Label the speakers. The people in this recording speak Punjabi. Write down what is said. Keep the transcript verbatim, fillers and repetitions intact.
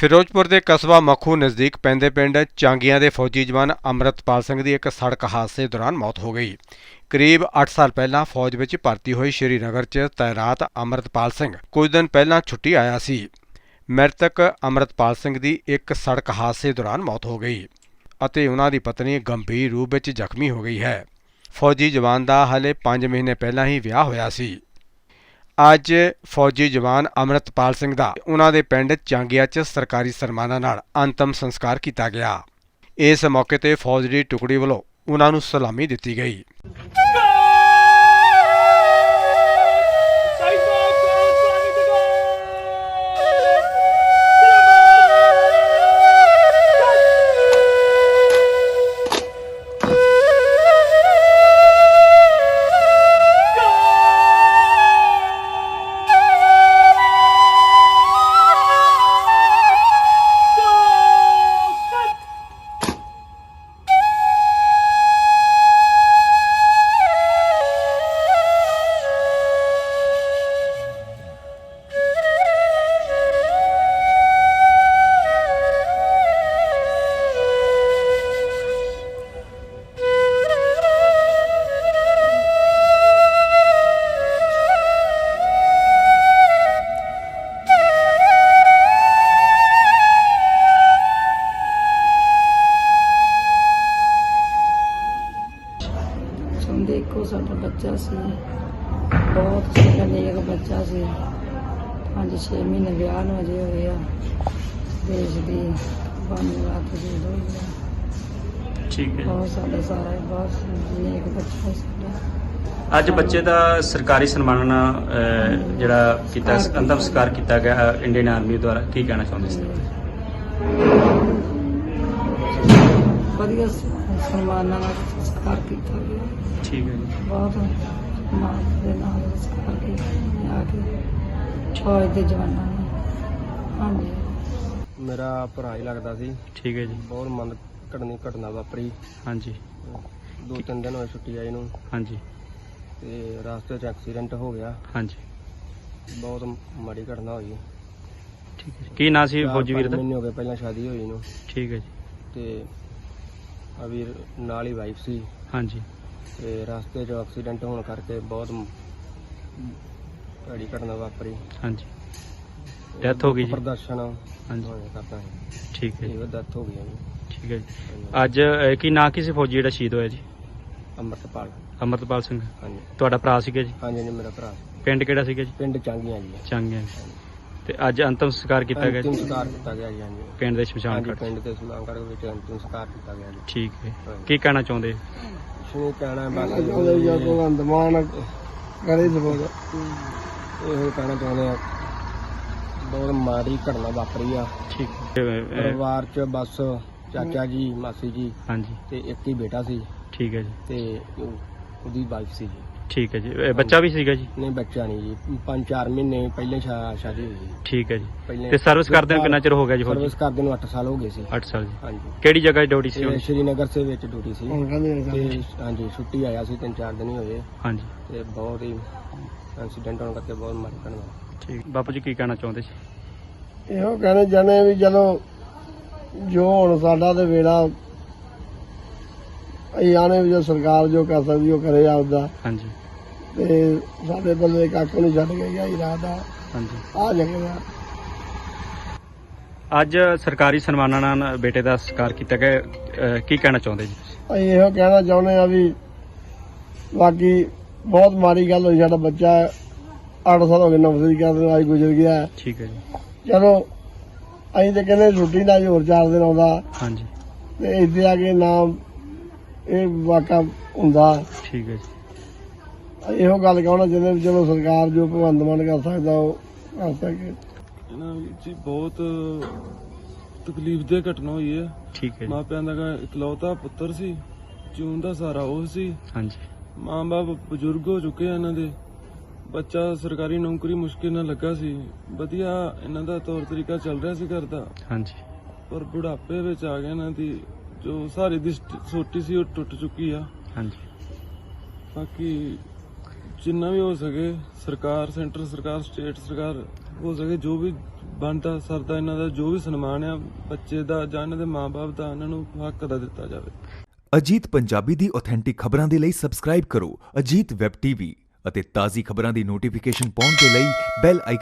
Speaker 1: ਫਿਰੋਜ਼ਪੁਰ ਦੇ ਕਸਬਾ ਮੱਖੂ ਨਜ਼ਦੀਕ ਪੈਂਦੇ ਪਿੰਡ ਚਾਂਗੀਆਂ ਦੇ ਫੌਜੀ ਜਵਾਨ ਅੰਮ੍ਰਿਤਪਾਲ ਸਿੰਘ ਦੀ ਇੱਕ ਸੜਕ ਹਾਦਸੇ ਦੌਰਾਨ ਮੌਤ ਹੋ ਗਈ। ਕਰੀਬ ਅੱਠ ਸਾਲ ਪਹਿਲਾਂ ਫੌਜ ਵਿੱਚ ਭਰਤੀ ਹੋਈ ਸ਼੍ਰੀਨਗਰ 'ਚ ਤੈਨਾਤ ਅੰਮ੍ਰਿਤਪਾਲ ਸਿੰਘ ਕੁਝ ਦਿਨ ਪਹਿਲਾਂ ਛੁੱਟੀ ਆਇਆ ਸੀ। ਮ੍ਰਿਤਕ ਅੰਮ੍ਰਿਤਪਾਲ ਸਿੰਘ ਦੀ ਇੱਕ ਸੜਕ ਹਾਦਸੇ ਦੌਰਾਨ ਮੌਤ ਹੋ ਗਈ ਅਤੇ ਉਹਨਾਂ ਦੀ ਪਤਨੀ ਗੰਭੀਰ ਰੂਪ ਵਿੱਚ ਜ਼ਖਮੀ ਹੋ ਗਈ ਹੈ। ਫੌਜੀ ਜਵਾਨ ਦਾ ਹਾਲੇ ਪੰਜ ਮਹੀਨੇ ਪਹਿਲਾਂ ਹੀ ਵਿਆਹ ਹੋਇਆ ਸੀ। ਅੱਜ ਫੌਜੀ ਜਵਾਨ ਅੰਮ੍ਰਿਤਪਾਲ ਸਿੰਘ ਦਾ ਉਹਨਾਂ ਦੇ ਪਿੰਡ ਚਾਂਗੀਆਂ 'ਚ ਸਰਕਾਰੀ ਸਨਮਾਨਾਂ ਨਾਲ ਅੰਤਮ ਸੰਸਕਾਰ ਕੀਤਾ ਗਿਆ। ਇਸ ਮੌਕੇ ਤੇ ਫੌਜ ਦੀ ਟੁਕੜੀ ਵੱਲੋਂ ਉਹਨਾਂ ਨੂੰ ਸਲਾਮੀ ਦਿੱਤੀ ਗਈ।
Speaker 2: देखो साडा बच्चा सी, बहुत साडा नेक बच्चा सी। पाँच छे महीने ब्याह नूं अजे होए आ। देश दी बानी रात दी होई आ।
Speaker 3: ठीक है।
Speaker 2: बहुत साडा सारा बहुत नेक बच्चा साडा।
Speaker 3: ਅੱਜ ਬੱਚੇ ਦਾ ਸਰਕਾਰੀ ਸਨਮਾਨ ਨਾਲ ਅਹ, ਜਿਹੜਾ ਕੀਤਾ ਅੰਤਮ ਸੰਸਕਾਰ ਕੀਤਾ ਗਿਆ ਇੰਡੀਅਨ ਆਰਮੀ ਦੁਆਰਾ, ਕੀ ਕਹਿਣਾ ਚਾਹੁੰਦੇ ਸੀ?
Speaker 2: ਵਧੀਆ ਸਨਮਾਨਾਂ ਨਾਲ ਸੰਸਕਾਰ ਕੀਤਾ ਗਿਆ।
Speaker 3: ਠੀਕ ਹੈ ਜੀ।
Speaker 2: ਬਹੁਤ ਮਾਣ ਦੇ ਨਾਲ ਸੰਸਕਾਰ ਕੀਤਾ ਆ ਕੇ ਫੌਜ ਦੇ ਜਵਾਨਾਂ ਨੇ। ਹਾਂਜੀ,
Speaker 4: ਮੇਰਾ ਭਰਾ ਹੀ ਲੱਗਦਾ ਸੀ।
Speaker 3: ਠੀਕ ਹੈ ਜੀ।
Speaker 4: ਬਹੁਤ ਮੰਦ ਘਟਨੀ ਘਟਨਾ ਵਾਪਰੀ।
Speaker 3: ਹਾਂਜੀ
Speaker 4: ਦੋ ਤਿੰਨ ਦਿਨ ਹੋਏ ਛੁੱਟੀ ਆਈ ਨੂੰ,
Speaker 3: ਹਾਂਜੀ
Speaker 4: ਤੇ ਰਸਤੇ 'ਚ ਐਕਸੀਡੈਂਟ ਹੋ ਗਿਆ।
Speaker 3: ਹਾਂਜੀ।
Speaker 4: ਬਹੁਤ ਮਾੜੀ ਘਟਨਾ ਹੋਈ।
Speaker 3: ਠੀਕ ਹੈ ਜੀ। ਕੀ ਨਾਂ ਸੀ
Speaker 4: ਚਾਰ
Speaker 3: ਫੌਜੀ ਵੀਰ
Speaker 4: ਪੰਜ
Speaker 3: ਦਾ?
Speaker 4: ਮਹੀਨੇ ਹੋ ਗਏ ਪਹਿਲਾਂ ਸ਼ਾਦੀ ਹੋਈ ਨੂੰ,
Speaker 3: ਠੀਕ ਹੈ ਜੀ।
Speaker 4: ਤੇ ਆ ਵੀਰ ਨਾਲ ਹੀ ਵਾਈਫ ਸੀ,
Speaker 3: ਹਾਂਜੀ
Speaker 4: ਤੇ ਰਸਤੇ 'ਚ ਐਕਸੀਡੈਂਟ ਹੋਣ ਕਰਕੇ ਬਹੁਤ ਭੈੜੀ ਘਟਨਾ ਵਾਪਰੀ।
Speaker 3: ਹਾਂਜੀ। ਡੈਥ ਹੋ ਗਈ ਜੀ?
Speaker 4: ਪ੍ਰਦਰਸ਼ਨ
Speaker 3: ਹਾਂਜੀ
Speaker 4: ਹੋਇਆ ਕਰਦਾ ਹੈ।
Speaker 3: ਠੀਕ ਹੈ ਜੀ।
Speaker 4: ਇਹ ਡੈਥ ਹੋ ਗਈ ਹੈ ਜੀ।
Speaker 3: ਠੀਕ ਹੈ ਜੀ। ਅੱਜ ਅਹ, ਕੀ ਨਾਂ ਕੀ ਸੀ ਫੌਜੀ ਜਿਹੜਾ ਸ਼ਹੀਦ ਹੋਇਆ ਜੀ?
Speaker 4: ਅੰਮ੍ਰਿਤਪਾਲ।
Speaker 3: ਅੰਮ੍ਰਿਤਪਾਲ ਸਿੰਘ।
Speaker 4: ਹਾਂਜੀ
Speaker 3: ਤੁਹਾਡਾ ਭਰਾ ਸੀਗਾ ਜੀ?
Speaker 4: ਹਾਂਜੀ, ਮੇਰਾ ਭਰਾ।
Speaker 3: ਪਿੰਡ ਕਿਹੜਾ ਸੀਗਾ ਜੀ?
Speaker 4: ਪਿੰਡ ਚਾਂਗੀਆਂ ਜੀ।
Speaker 3: ਚਾਂਗਿਆਂ। ਤੇ ਅੱਜ ਅੰਤਮ ਸੰਸਕਾਰ ਕੀਤਾ ਗਿਆ
Speaker 4: ਅੰਤਿਮ
Speaker 3: ਜੀ
Speaker 4: ਸੰਸਕਾਰ ਕੀਤਾ ਗਿਆ ਜੀ। ਹਾਂਜੀ
Speaker 3: ਪਿੰਡ ਦੇ ਸ਼ਮਸ਼ਾਨ
Speaker 4: ਹਾਂਜੀ,
Speaker 3: ਘਾਟ 'ਚ?
Speaker 4: ਪਿੰਡ ਦੇ ਸੁਲਾਂਗੜ ਵਿੱਚ ਅੰਤਿਮ ਸੰਸਕਾਰ ਕੀਤਾ ਗਿਆ ਜੀ।
Speaker 3: ਠੀਕ ਹੈ।
Speaker 4: ਹਾਂਜੀ।
Speaker 3: ਕੀ ਕਹਿਣਾ ਚਾਹੁੰਦੇ?
Speaker 4: ਸ਼ੁਰੂ ਕਹਿਣਾ ਬਸ ਭਗਵੰਤ ਮਾਨ ਕਰੇ ਸਪੋਰਟ, ਇਹੋ ਕਹਿਣਾ ਚਾਹੁੰਦੇ ਆ। ਬਹੁਤ ਮਾੜੀ ਘਟਨਾ ਵਾਪਰੀ ਆ।
Speaker 3: ਠੀਕ ਹੈ। ਅਹ,
Speaker 4: ਪਰਿਵਾਰ 'ਚ ਬਸ ਚਾਚਾ ਜੀ, ਮਾਸੀ ਜੀ
Speaker 3: ਹਾਂਜੀ
Speaker 4: ਤੇ ਇੱਕ ਹੀ ਬੇਟਾ ਸੀ,
Speaker 3: ਠੀਕ ਹੈ ਜੀ।
Speaker 4: ਤੇ ਉਹ- ਉਹਦੀ ਵਾਈਫ ਸੀ ਜੀ।
Speaker 3: ਠੀਕ ਹੈ ਜੀ। ਇਹ ਬੱਚਾ ਵੀ ਸੀਗਾ ਜੀ?
Speaker 4: ਨਹੀਂ, ਬੱਚਾ ਨਹੀਂ ਜੀ। ਪੰਜ ਚਾਰ ਮਹੀਨੇ ਪਹਿਲੇ ਸ਼ਾ- ਸ਼ਾਦੀ ਹੋਈ ਜੀ।
Speaker 3: ਠੀਕ ਹੈ ਜੀ।
Speaker 4: ਪਹਿਲੇ
Speaker 3: ਤੇ ਸਰਵਿਸ ਕਰਦੇ ਨੂੰ ਕਿੰਨਾ ਚਿਰ ਹੋ ਗਿਆ ਜੀ?
Speaker 4: ਸਰਵਿਸ ਕਰਦੇ ਨੂੰ ਅੱਠ ਸਾਲ ਹੋ ਗਏ ਸੀ।
Speaker 3: ਅੱਠ ਸਾਲ ਜੀ।
Speaker 4: ਹਾਂਜੀ,
Speaker 3: ਕਿਹੜੀ ਜਗ੍ਹਾ ਡਿਊਟੀ ਸੀ
Speaker 4: ਤੇ
Speaker 3: ਹੁਣ?
Speaker 4: ਸ਼੍ਰੀਨਗਰ ਦੇ ਵਿੱਚ ਡਿਊਟੀ ਸੀ। ਤੇ ਹਾਂਜੀ, ਛੁੱਟੀ ਆਇਆ ਸੀ, ਤਿੰਨ ਚਾਰ ਦਿਨ ਹੀ ਹੋਏ,
Speaker 3: ਹਾਂਜੀ
Speaker 4: ਤੇ ਬਹੁਤ ਹੀ ਐਕਸੀਡੈਂਟ ਹੋਣ ਕਰਕੇ ਬਹੁਤ ਮਾੜੀ ਘਟਨਾ।
Speaker 3: ਠੀਕ। ਬਾਪੂ ਜੀ ਕੀ ਕਹਿਣਾ ਚਾਹੁੰਦੇ ਸੀ?
Speaker 5: ਇਹੋ ਕਹਿਣੇ ਚਾਹੁੰਦੇ ਵੀ ਚਲੋ ਜੋ ਹੁਣ ਸਾਡਾ ਤੇ ਵੇੜਾ ਅਸੀਂ ਆਨੇ ਵੀ ਜੋ ਸਰਕਾਰ ਜੋ ਕਰ ਸਕਦੀ ਉਹ ਕਰੇ ਆਪਦਾ,
Speaker 3: ਹਾਂਜੀ
Speaker 5: ਤੇ ਸਾਡੇ ਬੰਦੇ ਕੱਖ ਨਹੀਂ ਛੱਡ ਕੇ ਗਿਆ ਇਰਾਦਾ
Speaker 3: ਹਾਂਜੀ।
Speaker 5: ਆ ਜਗ੍ਹਾ।
Speaker 3: ਅੱਜ ਸਰਕਾਰੀ ਸਨਮਾਨਾਂ ਨਾਲ ਬੇਟੇ ਦਾ ਸੰਸਕਾਰ ਕੀਤਾ ਗਿਆ, ਅਹ, ਕੀ ਕਹਿਣਾ ਚਾਹੁੰਦੇ ਜੀ?
Speaker 5: ਅਸੀਂ ਇਹੋ ਕਹਿਣਾ ਚਾਹੁੰਦੇ ਆ ਵੀ ਬਾਕੀ ਬਹੁਤ ਮਾੜੀ ਗੱਲ ਹੋਈ। ਸਾਡਾ ਬੱਚਾ ਅੱਠ ਸਾਲ ਹੋ ਗਏ ਨੌਕਰੀ ਕਰਦੇ ਨੂੰ, ਅੱਜ ਗੁਜ਼ਰ ਗਿਆ।
Speaker 3: ਠੀਕ ਹੈ ਜੀ।
Speaker 5: ਚਲੋ ਅਸੀਂ ਤੇ ਕਹਿੰਦੇ ਛੁੱਟੀ ਨਾਲ ਹੋਰ ਚਾਰ ਦਿਨ ਆਉਂਦਾ,
Speaker 3: ਹਾਂਜੀ
Speaker 5: ਤੇ ਇੱਥੇ ਆ ਕੇ ਨਾ ਇਹ ਵਾਕਾ ਹੁੰਦਾ।
Speaker 3: ਠੀਕ ਹੈ ਜੀ।
Speaker 5: ਇਹੋ ਗੱਲ ਕਹਿਣਾ ਚਾਹੁੰਦੇ ਵੀ ਚਲੋ ਸਰਕਾਰ ਜੋ ਭਗਵੰਤ ਮਾਨ ਕਰ ਸਕਦਾ ਉਹ ਕਰ ਸਕੇ।
Speaker 6: ਇਹਨਾਂ ਵਿੱਚ ਜੀ ਬਹੁਤ ਤਕਲੀਫ ਦੇ ਘਟਨਾ ਹੋਈ ਹੈ।
Speaker 3: ਠੀਕ ਹੈ ਜੀ।
Speaker 6: ਮਾਪਿਆਂ ਦਾ ਇਕਲੌਤਾ ਪੁੱਤਰ ਸੀ, ਜੂਨ ਦਾ ਸਹਾਰਾ ਉਹ ਸੀ।
Speaker 3: ਹਾਂਜੀ
Speaker 6: ਮਾਂ ਬਾਪ ਬਜ਼ੁਰਗ ਹੋ ਚੁੱਕੇ ਆ ਇਹਨਾਂ ਦੇ। ਬੱਚਾ ਸਰਕਾਰੀ ਨੌਕਰੀ ਮੁਸ਼ਕਿਲ ਨਾਲ ਲੱਗਾ ਸੀ, ਵਧੀਆ ਇਹਨਾਂ ਦਾ ਤੌਰ ਤਰੀਕਾ ਚੱਲ ਰਿਹਾ ਸੀ ਘਰ ਦਾ,
Speaker 3: ਹਾਂਜੀ
Speaker 6: ਪਰ ਬੁਢਾਪੇ ਵਿੱਚ ਆ ਗਿਆ ਇਹਨਾਂ ਦੀ ਜੋ ਸਹਾਰੇ ਦੀ ਸੋਟੀ ਸੀ ਉਹ ਟੁੱਟ ਚੁੱਕੀ ਆ।
Speaker 3: ਹਾਂਜੀ।
Speaker 6: ਬਾਕੀ ਜਿੰਨਾ ਵੀ ਹੋ ਸਕੇ ਸਰਕਾਰ, ਸੈਂਟਰ ਸਰਕਾਰ, ਸਟੇਟ ਸਰਕਾਰ ਹੋ ਸਕੇ ਜੋ ਵੀ ਬਣਦਾ ਸਰਦਾ ਇਹਨਾਂ ਦਾ ਜੋ ਵੀ ਸਨਮਾਨ ਆ ਬੱਚੇ ਦਾ ਜਾਂ ਇਹਨਾਂ ਦੇ ਮਾਂ-ਬਾਪ ਦਾ ਇਹਨਾਂ ਨੂੰ ਹੱਕ ਦਾ ਦਿੱਤਾ ਜਾਵੇ।
Speaker 7: ਅਜੀਤ ਪੰਜਾਬੀ ਦੀ ਆਥੈਂਟਿਕ ਖਬਰਾਂ ਦੇ ਲਈ ਸਬਸਕ੍ਰਾਈਬ ਕਰੋ ਅਜੀਤ ਵੈਬ ਟੀਵੀ ਅਤੇ ਤਾਜ਼ੀ ਖਬਰਾਂ ਦੀ ਨੋਟੀਫਿਕੇਸ਼ਨ ਪਾਉਣ ਦੇ ਲਈ ਬੈਲ ਆਈਕਨ